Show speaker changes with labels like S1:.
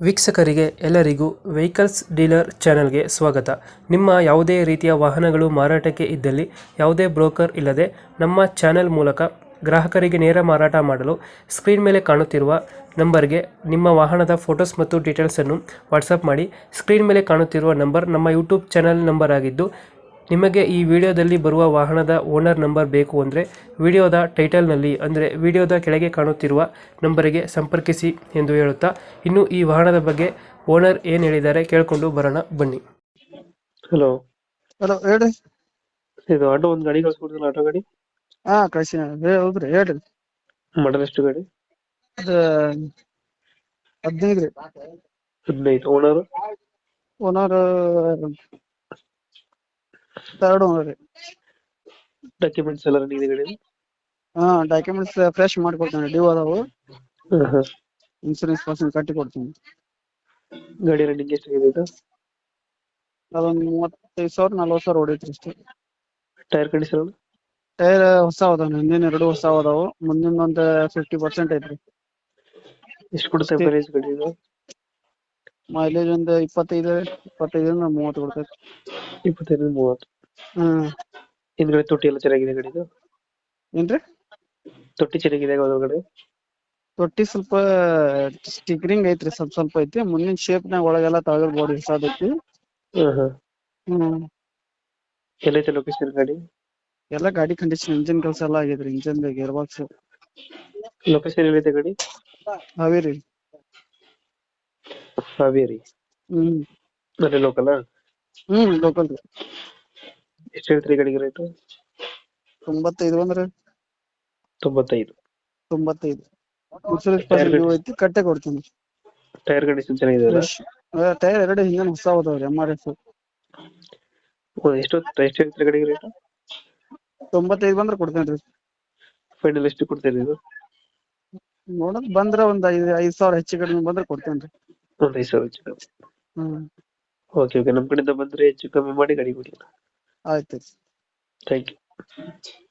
S1: ವೀಕ್ಷಕರಿಗೆ ಎಲ್ಲರಿಗೂ vehicles dealer ಚಾನೆಲ್ಗೆ ಸ್ವಾಗತ. ನಿಮ್ಮ ಯಾವುದೇ ರೀತಿಯ ವಾಹನಗಳು ಮಾರಾಟಕ್ಕೆ ಇದ್ದಲ್ಲಿ ಯಾವುದೇ ಬ್ರೋಕರ್ ಇಲ್ಲದೆ ನಮ್ಮ ಚಾನೆಲ್ ಮೂಲಕ ಗ್ರಾಹಕರಿಗೆ ನೇರ ಮಾರಾಟ ಮಾಡಲು ಸ್ಕ್ರೀನ್ ಮೇಲೆ ಕಾಣುತ್ತಿರುವ ನಂಬರ್ಗೆ ನಿಮ್ಮ ವಾಹನದ ಫೋಟೋಸ್ ಮತ್ತು ಡೀಟೇಲ್ಸನ್ನು ವಾಟ್ಸಪ್ ಮಾಡಿ. ಸ್ಕ್ರೀನ್ ಮೇಲೆ ಕಾಣುತ್ತಿರುವ ನಂಬರ್ ನಮ್ಮ ಯೂಟ್ಯೂಬ್ ಚಾನೆಲ್ ನಂಬರ್ ಆಗಿದ್ದು, ನಿಮಗೆ ಈ ವಿಡಿಯೋದಲ್ಲಿ ಬರುವ ವಾಹನದ ಓನರ್ ನಂಬರ್ ಬೇಕು ಅಂದರೆ ವಿಡಿಯೋದ ಟೈಟಲ್ನಲ್ಲಿ ಅಂದರೆ ವಿಡಿಯೋದ ಕೆಳಗೆ ಕಾಣುತ್ತಿರುವ ನಂಬರಿಗೆ ಸಂಪರ್ಕಿಸಿ ಎಂದು ಹೇಳುತ್ತಾ, ಇನ್ನು ಈ ವಾಹನದ ಬಗ್ಗೆ ಓನರ್ ಏನು ಹೇಳಿದ್ದಾರೆ ಕೇಳಿಕೊಂಡು ಬರೋಣ ಬನ್ನಿ. ಹಲೋ,
S2: ಹಲೋ ಹೇಳ್ರಿ.
S1: ಇದು ಆಟೋ ಒಂದು ಗಾಡಿ ಕಳ್ಸ್ಕೊಡ್ತೀನಿ, ಆಟೋ ಗಾಡಿ
S2: ಹಾ ಕಳ್ಸಿ ಹೌದ್ರಿ, ಹೇಳ್ರಿ.
S1: ಮಾಡಲ್ ಎಷ್ಟು ಗಾಡಿ?
S2: ಅದ 15 ರೀ.
S1: 15. ಓನರ್
S2: ಓನರ್ ಥರ್ಡ್ ಓನರ್ ರೀ.
S1: ಡಾಕ್ಯುಮೆಂಟ್ಸ್ ಎಲ್ಲ ರನ್ನಿಂಗ್ ಇದೆ ಗಾಡಿ?
S2: ಹಾ ಡಾಕ್ಯುಮೆಂಟ್ಸ್ ಫ್ರೆಶ್ ಮಾಡ್ಕೊಡ್ತೀನಿ, ಡ್ಯೂ ಅದಾವು. ಇನ್ಸೂರೆನ್ಸ್ ಪರ್ಸನ್ ಕಟ್ಟಿ ಕೊಡ್ತೀನಿ.
S1: ಗಾಡಿ ರನ್ನಿಂಗ್ ಎಷ್ಟಾಗಿದೆ ಇದು?
S2: ಅದೊಂದು 35,000 40,000 ಹೊಡೈತ್ರಿ ಅಷ್ಟೇ.
S1: Tyre condition?
S2: ಟೈರ್ ಹೊಸ ಅದಾವ, ಹಿಂದಿನ 2 ಹೊಸ ಅದಾವು, ಮುಂದಿನ ಒಂದು 50% ಐತ್ರಿ.
S1: ಎಷ್ಟು ಕೊಡುತ್ತೆ ಮೈಲೇಜ್ ಗಾಡಿ ಇದು?
S2: ಮೈಲೇಜ್ ಒಂದು 25 30 ಕೊಡ್ತೈತಿ.
S1: 25-30.
S2: ಹ್ಮ್.
S1: ಹಿಂದ್ಗಡೆ ತೊಟ್ಟಿ ಎಲ್ಲ ಚೆನ್ನಾಗಿದೆ ಗಾಡಿದು?
S2: ಏನ್ರಿ?
S1: ತೊಟ್ಟಿ ಚೆನ್ನಾಗಿದೆ ಒಳಗಡೆ?
S2: ತೊಟ್ಟಿ ಸ್ವಲ್ಪ ಸ್ಟಿಕರಿಂಗ್ ಐತ್ರಿ, ಸ್ವಲ್ಪ ಐತಿ. ಮುಂದಿನ ಶೇಪ್ನಾಗ ಒಳಗೆಲ್ಲ ತಳಗ ಬಾಡಿ ಹೊಸಾದೈತಿ. ಹ್ಮ್.
S1: ಎಲ್ಲೈತೆ ಲೊಕೇಶನ್ ಗಾಡಿ?
S2: ಎಲ್ಲ ಗಾಡಿ ಕಂಡೀಷನ್, ಇಂಜಿನ್ ಕೆಲಸ ಎಲ್ಲ ಆಗೈತ್ರಿ. Engine gear box.
S1: ಲೊಕೇಶನ್ ಎಲ್ಲೈತೆ ಗಾಡಿ?
S2: ಹಾವೇರಿ.
S1: ಹಾವೇರಿ.
S2: ಹ್ಮ್.
S1: ಅಲ್ಲೇ ಲೋಕಲ್?
S2: ಲೋಕಲ್ ರೀ.
S1: ಎಷ್ಟು ಹೇಳ್ತೀರಿ ಗಾಡಿಗೆ ರೇಟು?
S2: 95 ಅಂದ್ರೆ
S1: 95.
S2: 95. ಇನ್ಸೂರೆನ್ಸ್ ಪರ್ಸೆಂಟ್ ಡ್ಯೂ ಐತಿ, ಕಟ್ಟೆ ಕೊಡ್ತೀನಿ.
S1: ಟೈರ್ ಕಂಡೀಷನ್ ಚೆನ್ನಾಗಿದೆ ಅಲ್ಲ?
S2: ಟೈರ್ 2 ಹಿಂದಿನ ಹೊಸ ಅದಾವ್ರಿ, MRF.
S1: ಎಷ್ಟು ಹೇಳ್ತೀರಿ ಗಾಡಿಗೆ ರೇಟು?
S2: 95 ಬಂದ್ರೆ ಕೊಡ್ತೇನ್ರಿ.
S1: ಫೈನಲ್ ಎಷ್ಟು ಕೊಡ್ತೀರಿ ಇದು?
S2: ನೋಡೋದ್ ಬಂದ್ರ ಒಂದ್ 5,000 ಹೆಚ್ಚು ಕಡಿಮೆ ಬಂದ್ರೆ ಕೊಡ್ತೇನ್ರಿ.
S1: ಒಂದು 5,000 ಹೆಚ್ಚು ಕಮ್ಮಿ.
S2: ಹ್ಮ್.
S1: ಓಕೆ, ನಮ್ಮ ಕಡೆಯಿಂದ ಬಂದ್ರೆ ಹೆಚ್ಚು ಕಮ್ಮಿ ಮಾಡಿ ಗಾಡಿ ಕೊಡಿ.
S2: ಆಯ್ತು.
S1: Thank you.